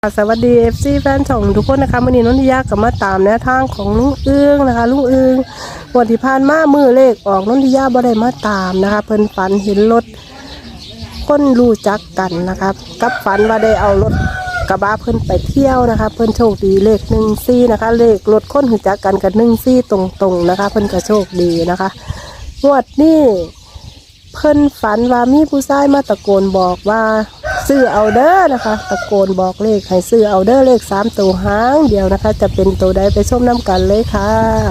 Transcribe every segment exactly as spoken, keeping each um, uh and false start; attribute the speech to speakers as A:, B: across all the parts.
A: สวัสดี เอฟ ซี แฟนช่องทุกคนนะคะวันนี้นนทิยากับมาตามแนวทางของลุงเอื้องนะคะลุงเอื้องวันที่ผ่านมามือเลขออกนนทิยาบ่ได้มาตามนะคะเพิ่นฝันเห็นรถคนรู้จักกันนะคะกับฝันว่าได้เอารถกระบะเพิ่นไปเที่ยวนะคะเพิ่นโชคดีเลขหนึ่งซี่นะคะเลขรถคนรู้จักกันกับหนึ่งซี่ตรงๆนะคะเพิ่นก็โชคดีนะคะงวดนี้เพิ่นฝันว่ามีผู้ชายมาตะโกนบอกว่าซื้อเอาเด้อนะคะตะโกนบอกเลขให้ซื้อเอาเด้อเลขสามตัวหางเดียวนะคะจะเป็นตัวใดไปชมน้ำกันเลยค่ะ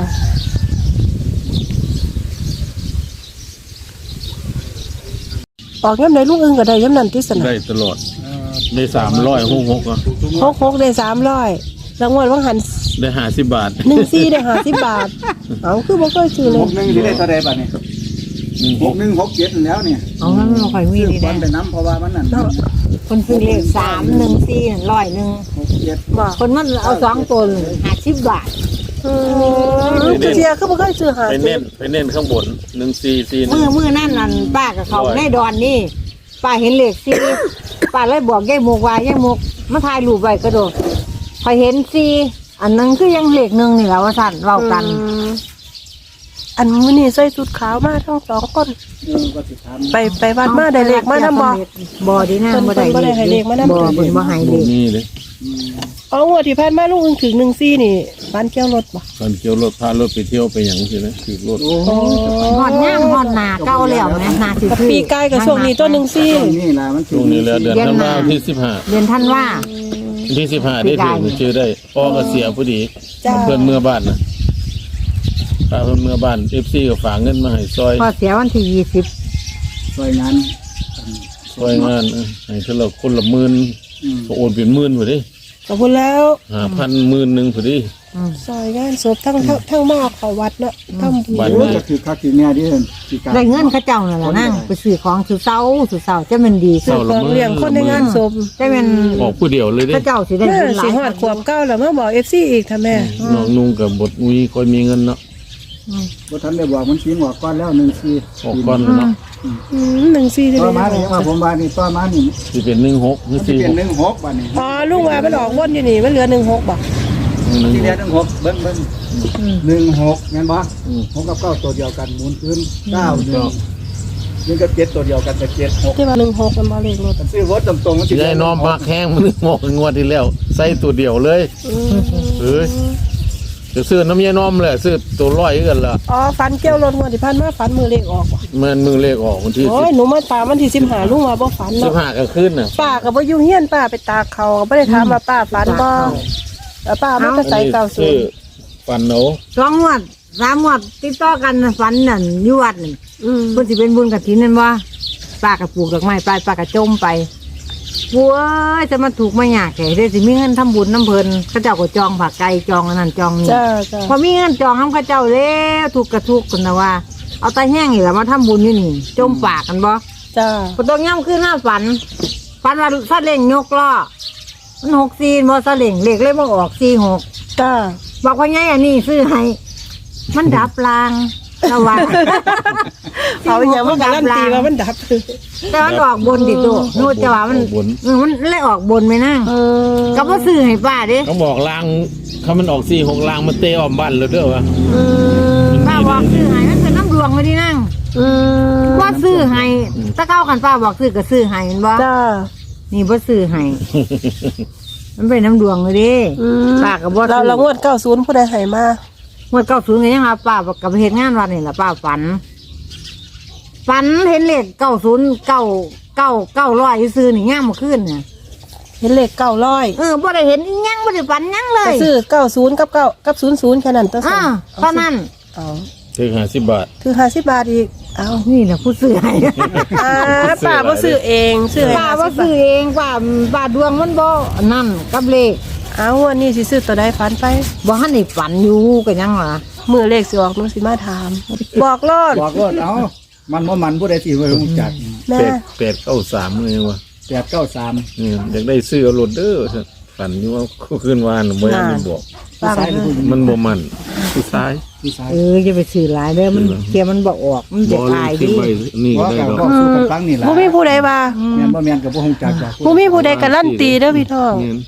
A: ออกย้ำใดลูกอึ้งก็ได้ย้ำนันที่สนาม
B: ได้ตลอดได้สามร้อยหกหกอ่ะ
A: หกหกได้สามร้อยรางวัลว่างหัน
B: ได้ห้าสิบบาท
A: หนึ่งซี่ได้ห้าสิบบาทเอาคือบ่เคยซื้อเลย
C: หกหนึ่งที่ได้เท่าใดบาทเนี่ยหกหนึ่งหกเจ็ดแล้วเนี่ย
D: เอางั้นเราค่อยมีดี
C: นะ
D: นะ
C: ไปน้ำเพราะว่ามันนั่น
D: คนซื้อเลขสามหนึ่งสี่ร้อยหนึ่ง
C: หกเจ็ด
D: คนมันเอาสองตัวห้าสิบบาท
A: เชียร์คือบ่เคยซื้อหา
B: ไปเน้นไปเน้นข้างบนหนึ่งสี่สี่
D: มือมือนั่นนั่นป้ากับเขาในดอนนี่ป้าเห็นเลขสี่ป้าเลยบอกยายมุกว่ายายมุกมาถ่ายรูปไว้กระโดดพอเห็นสี่อันนึงคือยังเลขหนึ่งนี่แหละว่าสั่นเล่ากัน
A: อันมื้อนี้ใส่ชุดขาวมาทั้งสองคนไปไปวัดมาได้เลขมานำบ่
D: บ่ดีนะบ่ได้เลขบ่เพิ่นบ่ให้เลข
B: นี่เลย
A: อ๋องวดที่ผ่านมาลุงอึ้งถึงหนึ่งซี่นี่บ้านเกี่ยวรถบ่
B: ตอนเกี่ยวรถพารถไปเที่ยวไปอย่างใช่ไหมถือรถ
D: ฮอดย่างฮอดหน้าเก่าแล้วแม่หน้าสิคือ
A: ปีกายกับช่วงนี้ต้นหนึ่งซี่
C: นี่ล่ะมัน
B: ช่วงนี้แล้วเดือนธันวาคมที่สิบห้า
D: เดือนธันวา
B: ที่สิบห้าได้ถึงชื่อได้พ่อก็เสียพอดีเพื่อนเมื่อบ้านนะป้าเพื่อนเมื่อบ้านเอฟซีก็ฝากเงินมาให้ซอย
D: พอเสียวันที่ยี่สิบ
C: ซอยงาน
B: ซอยงานให้เท่าไหร่คนละหมื่นก็โอนเป็นหมื่นพอดี
A: ขอบคุณแล้ว
B: หาพันหมื่นหนึ่งพอดี
A: ซอยงานศพทั้งทั้งมาเขาวัดเนาะทำบุญ
C: ก็คือคักคือแม่ดิ
D: ได้เงินเขาเจ้านั่นแหละนั่งไปซื้อของซื้อเสาซื้อเสาจะมันดี
A: ซื้อของเลี้ยงคนในงานศพ
D: จะเป็น
B: บอกผู้เดียวเลยดิ
D: เขาเจ้าสิได้
A: เงินหลายสิหอดขวบเก้าแล้วมาบอกเอฟซีอีกท่าแม่
B: น้องนุ่งกับบทมีคนมีเงินเนาะ
C: บ่ทันได้บอกมันชี้ออกก้อนแล้วหนึ่งสี่
B: ออกก้อนเนาะ
A: หนึ่งสี่
C: ต่อมาเนี่ยมาผมว่านี่ต่อมานี่
B: ที่เป็นหนึ่งหกหรือสี่
C: เป็นหนึ่งหกบาทนี่
A: อ๋อลุงว่ามันออกวนอยู่นี่มันเหลือหนึ่งหกบ่
C: ที่เหลือหนึ่งหกเบิ้งเบิ้งหนึ่งหกงั้นบ่หกกับเก้าตัวเดียวกันหมุนพื้นเก้าหนึ่งหนึ่งกับเจ็ดตัวเดียวกันแต่เจ็ดหก
A: ที่ว่าหนึ่งหกมันมาเลขรถ
C: ซื้อรถตรงๆมัน
B: จะได้น้อมมาแข้งมันงอกงวดที่แล้วใส่ตัวเดียวเลยเฮ้ยจะซื้อน้ำยาน้อมเลยซื้อตัวร้อยกันละ
A: อ๋อฟันเกี่ยวรถงวดที่ผ่านมาฟันมือเลขออกบ่
B: มันมือเลขออกวันที่
A: โอ้ยหนูมาตามวันที่สิบห้าลุงว่าบ่ฝันเนาะ
B: สิบห้าก็ขึ้นน่ะ
A: ป้าก็บ่อยู่เฮียนป้าไปตากเขาบ่ได้ถามว่าป้าฝันบ่แล้วป้ามันก็ใส่เก้าสิบ
B: ฝันเนาะ
D: สองงวดสามงวดติดต่อกันฝันนั่นอยู่วัดนี่อืมเพิ่นสิเป็นบุญกฐินนั่นบ่ป้าก็ปลูกดอกไม้ไปป้าก็จมไปบัวจะมาถูกมายากแก่ได้สิมีเงินทำบุญน้ำเพลินข้าเจ้าก็จองผักไก่จองนั่นจองนี่พอมีเงินจองน้ำข้าเจ้าแล้วถูกกระทุกคนนะว่าเอาตาแห้งนี่แหละมาทำบุญนี่นี่จมปากกันบ่
A: จ้า
D: พอต้องย่ำขึ้นหน้าฝันฝันว่าซาเล่งยกล้อมันหกสี่บ่ซาเล่งเล็กเลยมาออกสี่หก
A: จ้า
D: บอกว่าไงอันนี้ซื้อให้มันดับลางระวัง
A: เขาอย่างว่าการันตีว่ามันดับ
D: แต่มันออกบนดิตัวนู่นจะว่ามันมันเลยออกบนไหมนั่งก็บ่ซื้อให้ป้าดิ
B: เขาบอกลางเขามันออกสี่หกลางมันเตะออมบ้านเลยเด้อวะ
D: ป้าบอกซื้อให้มันเป็นน้ำดวงไม่ได้นั่งว่าซื้อให้ถ้าเข้ากันป้าบอกซื้อก็ซื้อให้เห็นบ่
A: จ้า
D: นี่บ่ซื้อให้มันเป็นน้ำดวงเลยดิป้าก็บ่
A: เราเรางวดเก้าศูนย์ผู้ใดให้มา
D: เมื่อเก้าศูนย์ไงยังครับป้ากับเหตุงานวันนี่แหละป้าฝันฝันเห็นเลขเก้าศูนย์เก้าเก้าเก้าร้อยซื้อนี่ย่างมาขึ้นเนี่ย
A: เห็นเลขเก้าร้อย
D: เออบ่ได้เห็นยังบ่ได้ฝันยังเลย
A: ซื้อเก้าศูนย์กับเก้ากับศูนย์ศูนย์แค่นั้นตัว
D: อ่าเท่านั้น
A: เอา
B: ถึงห้าสิบบาท
A: ถึงห้าสิบบาทอีกเอา
D: นี่แหละผู้ซื้อให้
A: อ่าป้าบ่ซื้อเองซื้อ
D: ป้าบ่ซื้อเองป้าป้าดวงมันบ่นั่นกับเลข
A: เอาวันนี้สิซื้อตัวใดฝันไป
D: บ่ทันได้ฝันอยู่ก็ยังล่ะ
A: มือเลขสิออกมันสิมาถามบอกรอด
C: บอกรอดเอามันบ่มันผู้ใดสิบ่รู้จัก
B: แปดแปดเก้าสามเลยวะ
C: แปดเก้าสาม
B: นี่อยากได้ซื้อเอารถเด้อฝันอยู่ว่าขึ้นวานบ่ยังมันบอกมันบ่มันผู้ชาย
D: เออจะไปซื้อหลายเด้อมันเกียมันบ่ออกมันจะตายดิ
B: นี่ได้ดอก
A: บ่มีผู้ใดว่า
C: แม่นบ่แม่นก็บ่ฮู้จักจ้ะ
A: บ่มีผู้ใดการันตีเด้อพี่น้อง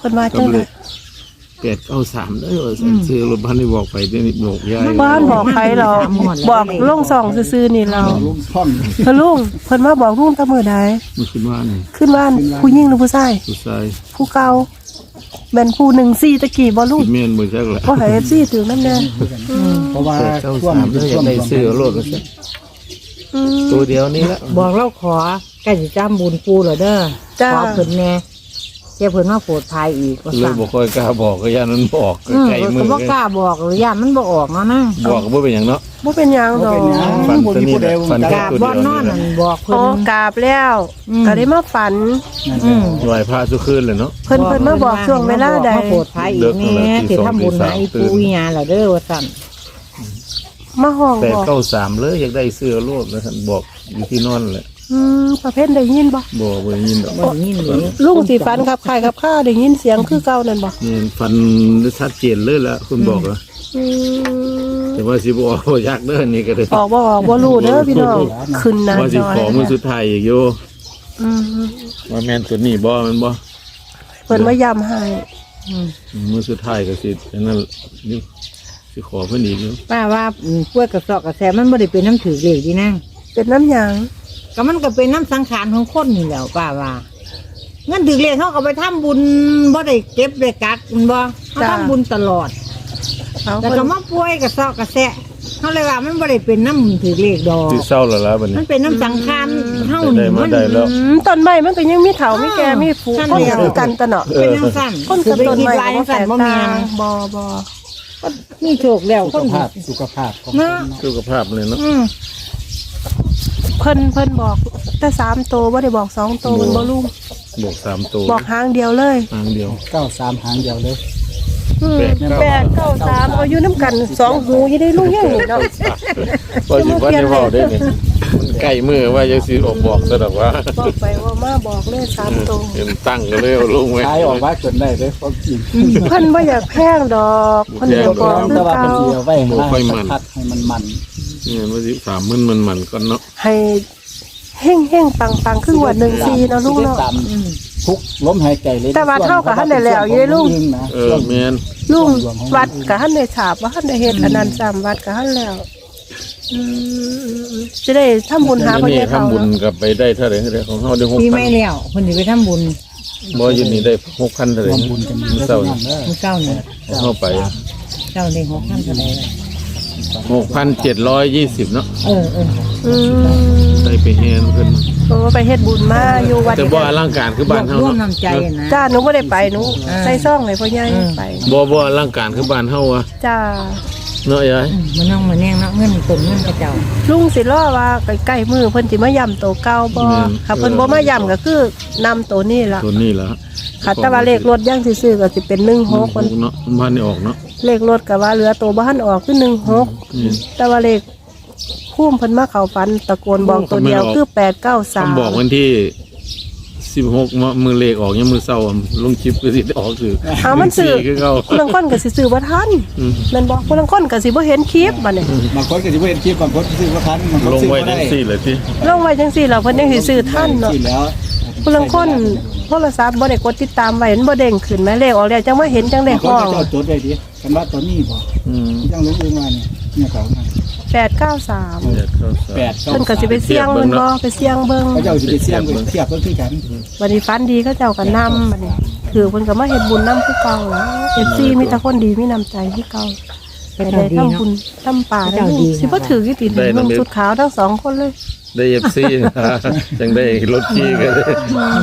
A: เพิ่นว่าจังได๋
B: แปดเก้าสามเด้อซื้อรถบ้านได้บอกไปได้บอกยาย
A: บ้านบอกใครเราบอกลงซองซื่อๆนี่เรา
C: ลุงช่อง
A: เพิ่นลุงเพิ่นมาบอกลุงแตะมื้อใด
B: มันขึ้นว่านี่
A: ขึ้นบ้านผู้หญิงหรือผู้ชาย
B: ผู้ชาย
A: ผู้เก่าแม่นผู้หนึ่งสี่ตะกี้บ่ลุง
B: เมียนบ่จักแหละ
A: บ่ให้ เอฟ ซี ถึงนำแน่
C: เพราะว่า
B: แปดเก้า
C: ช่วง
B: สามเด้ออยากได้ซื้อรถก็ซะ
A: อืม
B: ตัวเดียวนี่ละ
D: บอกเราขอใกล้สิจำบุญปูเหรอเด้อ
A: จ้า
D: ขอเพิ่นแน่เจ้าเพิ่นมาโปรดภัยอีกว่า
B: เลย
D: สั่ง
B: บ่ค่อยกล้าบอกก็ย่านมันบอก
D: อืม
B: ไกลมื
D: ก็
B: อ
D: บ่กล้าบอกหรือย่านมันบ่ออกเนาะนะ
B: บอกก็บ่เป็นหยังเนาะ
A: บ่เป็นหยังดอก
B: ฝันตัวนี้แหละฝัน
D: ก
B: แค่
D: ราบ
B: ตัว
D: บ่
B: เดียวน
D: อน
B: นี่แห
D: นั่
B: ละ
D: นบอกเพิ่
A: อ๋อน กราบแล้ว
D: อืม
A: ก็ได้มาฝัน
D: อืม
B: ไหว้พระทุกคืนเลยเนาะ
A: เพิ่นเพิ่นมาบอกช่วงเวลาใด
D: มาโปรดภัยอีกแน่สิทำบุญให้ปูอีหยังล่ะเด้อว่าสั่น
A: มาห้อง
B: แปด
A: บอก
B: เก้าสามเลยอยากได้เสื้อโลดแล้วท่านบอกอยู่ที่นอนแหละ
A: อืมประเภทได้ยินบ่
B: บอกบ่ได้ยินดอก
D: บ่ได้ยินเลย
A: ลุงสิฝันครับคายครับข้าได้ยินเสียงคือเก่านั่นบ่
B: นี่ฟันชัดเจนเลยละคุณบอกอะ
A: อืม
B: แต่ว่าสิบออกบ่อยากเด้อนี่ก็ได้
A: ออกบ่ออกบ่รู้เด้อพี่น้องขึ้นหน้า
B: ว่าสิ
A: จอ
B: ขอมือสุดท้ายอีกโย
A: อืม
B: ว่าแม่นตัวนี้บ่แมันบ่
A: เพิ่นมาย้ำให้
D: อืม
B: มือสุดท้ายก็สิอันนั้นนี่สิขอเพิ่นอีกอยู่
D: ป้าว่าอืมกล้วยกระสอบกระแสมันบ่ได้เป็นน้ำถือเลขดีนะ
A: เป็นน้ำหยัง
D: ก็มันก็เป็นน้ำสังขารของคนนี่แหล้วป้าว่าเงินถือเลขเขาก็ไปทำบุญบ่ได้เก็บได้กักมันบ่เขาทำบุญตลอด
A: เอา
D: แต่
A: เพิ่น
D: ก็มาป่วยกระสอบกระแสะเขาเลยว่ามันบ่ได้เป็นน้ำถือเลขดอก
B: สิเศร้าแล้วล่ะบัด
D: มั
B: นี้
D: นเป็นน้ำสังขารเฮา
B: ได้
D: นี่
B: มา
D: มัน
B: ได้แล้ว
A: อืมต้นไม้มันก็ยังมีเถามีแก่มีผู
D: ท่าน
A: คน
D: เดียว
A: คือกันตะเนาะ
D: เป็นน้ำสั้น
A: คน
D: คื
A: กั
D: อบ ไป
A: ต้น
D: คิด
A: ไม้
D: ลาย
A: ก็บ่
D: สั้
A: แต
D: น
A: ก
D: บ่
A: ต่า
D: แม่น
A: งบ่บ่
D: มีโชคแล้ว
C: สุ
D: คน
C: ขภาพสุขภาพของ
D: เนาะ
B: สุขภาพเลยเนาะ
D: อืม
A: เพิ่นเพิ่นบอกแต่สามโตวบ่ได้บอกสองโตวมันบ่ลุง
B: บอกสามตัว
A: บอกหางเดียวเลย
B: ทางเดียว
C: เก้าสามหางเดียวเลย
A: อืม
B: แปด
A: แปดเก้าสามเอาอยู่น้ำกันสองหูอยี่ได้ลุงยังนี่เนาะ
B: ว่าสิว่าได้เว้าได้นี่มันใกล้มือว่าจะสิออกบอกซะดอกว่า
A: บอกไปว่ามาบอกเลยสามโตว
B: เห็นตั้งก็เลยเอาลงไว้
C: ขายออกว่าจนได้เลยความจริง
A: เพิ่นบ่อยากแพงดอกเพิ่นอยากบอกคื
C: แต่
A: อ
C: ว่า
A: เก่า
C: เป็นเสียไว้ให้มันพัดให้มันมัน
B: นี่ว่าสิถามมันมันมันก่อนเนาะ
A: ให้เฮ่งเฮ่งปังปังคือว่าหนึ่งซีเนาะลุงเนาะ
C: ทุกล้มหายใจเลย
A: แต่ว่าเท่ากับท่านได้แล้วอยู่ได้ลุง
B: เออแม่น
A: ลุงวัดกับท่านได้ฉาบว่าท่านได้เฮ็ดอันนั้นซ้ำวัดกับท่านแล้วอืมจะได้ทำบุญหา
B: อัน
A: พ่อ
B: นี้
A: ใหญ่เขา
B: ทำบุญ
A: เนาะ
B: กับไปได้เท่าไหร่เท่าไหร่ของเฮาได้
D: ปี
B: หกพั
D: ไม่
B: น
D: แล้วคนที่ไปทำบุญ
B: บ่อยู่นี่ได้หกพันเท่าไหร่
C: ร่วมบุญกัน
B: มื้อเช้านี่
D: มื้อเก้าเนี่ย
B: เข้าไป
D: เจ้าได้หกพันเท่าไหร่ล่ะ
B: หกพันเจ็ดร้อยยี่สิบเนาะ
D: เออเออ
A: อืม
B: ได้ไปแฮนเพิ่น
A: เพราะว่าไปเฮ็ดบุญมาอยู่วัด
B: แต่บ่อลังการคือบ้านเฮาร
D: วม
B: เนาะ
D: น้ำใจนะ
A: จ้าหนูบ่ได้ไปหนู
D: อ่า
A: ใส่ซ่องให้พ่อใหญ่ไป
B: บ่บ่อลังการคือบ้านเฮาอะ
A: จ้า
B: เนาะยาย
D: อืมมันน้องมาแนงเนาะเงินตุนเงินกระเจ้า
A: ลุงสิรอว่าใกล้ๆมือเพิ่นสิมาย่ำโตเก่าบ่ค่ะเพิ่นบ่มาย่ำก็คือนำตัวนี้ล่ะ
B: ตัวนี้ล่ะ
A: ค่ะแต่ว่าเลขรถย่างซื่อๆก็สิเป็นหนึ่งหก
B: หกเนาะบ้านนี่ออกเนาะ
A: เลขรถก็ว่าเหลือตัวบ้านออกคือหนึ่งหก
B: นี่
A: แต่ว่าเลขพุ่มเพิ่นมาเข้าฝันตะโกนบอกตัวเดียวคือแปดเก้าสาม
B: คำบอกวันที่สิบหกมื้อเลขออกยังมื้อเช้าอะลงคลิปก็สิได้ออกคือ
A: เอามันซื้อ
B: คือเก่า
A: คนลังคนก็สิซื้อบ่ทัน
B: อืม
A: แม่นบ่คนลังคนก็สิบ่เห็นคลิปบัดนี้
C: บางคนก็จะเห็นคลิปบางคนซื้อว่าทันบางคน
B: ลง
C: ซื้อ
B: ไว้
C: ว่า
B: จั
C: ได้
B: งซี่เลยสิ
A: ลงไว้จังซี่แล้วเพิ่นยังสิซื้อทันเนาะ
C: ที่แล้ว
A: คนลังคนโทรศัพท์บ่ได้กดติดตามไว้มันบ่เด้งขึ้นแม่เลขออกแล้วจังมาเห็นจังได้
C: บางค
A: ห้
C: น
A: อง
C: ก็จะเอาจดไว้ดิกันว่าตอนนี้บ่
B: อืม
C: ยังรู้ว่าเนี่ยเนี่ยเขา
A: แปดเก้าสาม
B: เจ็ดเข้าสาม
C: แปด
A: เพิ่นก็สิไปเสี่ยงมันบ่ไปเสี่ยงเบิ่ง
C: เขาจะเอาสิไปเสี่ยงไปเทียบเพิ่นคือกัน
A: บัดนี้ฝันดีเขาเจ้าก็นำบัดนี้คือเพิ่นก็มาเฮ็ดบุญนำคือเก่าแล้ว เอฟ ซี มีแต่คนดีมีน้ำใจคือเก่า
D: เป็น
A: ไป
D: เจ้า
A: ได้
D: ดี
A: ทำ
D: เนาะ
A: บุญทำป่าได้
D: เจ้าดี
A: สิบ่ถือกี่ติดเมืองสุดขาวทั้งสองคนเลย
B: ได้ เอฟ ซี จังได้รถขี่กันเลย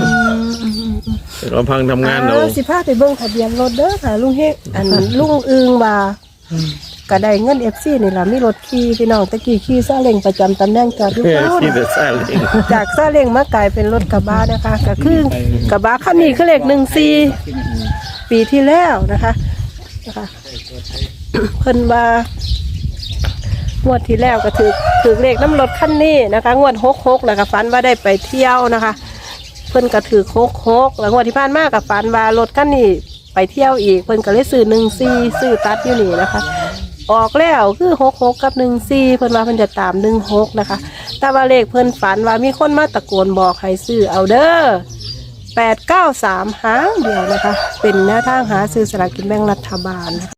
B: เราพังทำงานเรา
A: อ้วสิพาไปเบิ่งทะเบียนรถเด้อค่ะลุงเฮกอันลุงอึงว่าก็ได้เงิน เอฟ ซี นี่ล่ะมีรถขี่พี่น้องตะกี้ขี่ซาเล้งประจำตำแหน่งจอดอยู่
B: แค่
A: โน่น
B: ขี่แต่ซาเล้ง
A: จากซาเล้งมากลายเป็นรถกระบะนะคะก็คือกระบะคันนี้คือเลขหนึ่งสี่ปีที่แล้วนะคะนะคะ เพิ่นว่างวดที่แล้วก็ถือถือเลขน้ำรถคันนี้นะคะงวดหกหกแล้วก็ฝันว่าได้ไปเที่ยวนะคะ เพิ่นก็ถือหกหกแล้วงวดที่ผ่านมากับฝันว่ารถคันนี้ไปเที่ยวอีกเพิ่นก็เลยซื้อหนึ่งสี่ซื้อตัดอยู่นี่นะคะ ออกแล้วคือหกหกกับหนึ่งสี่เพิ่นว่าเพิ่นจะตามหนึ่งหกนะคะ แต่ว่าเลขเพิ่นฝันว่ามีคนมาตะโกนบอกให้ซื้อเอาเด้อแปดเก้าสามหางเดียวนะคะ เป็นแนวทางหาซื้อสลากกินแบ่งรัฐบาล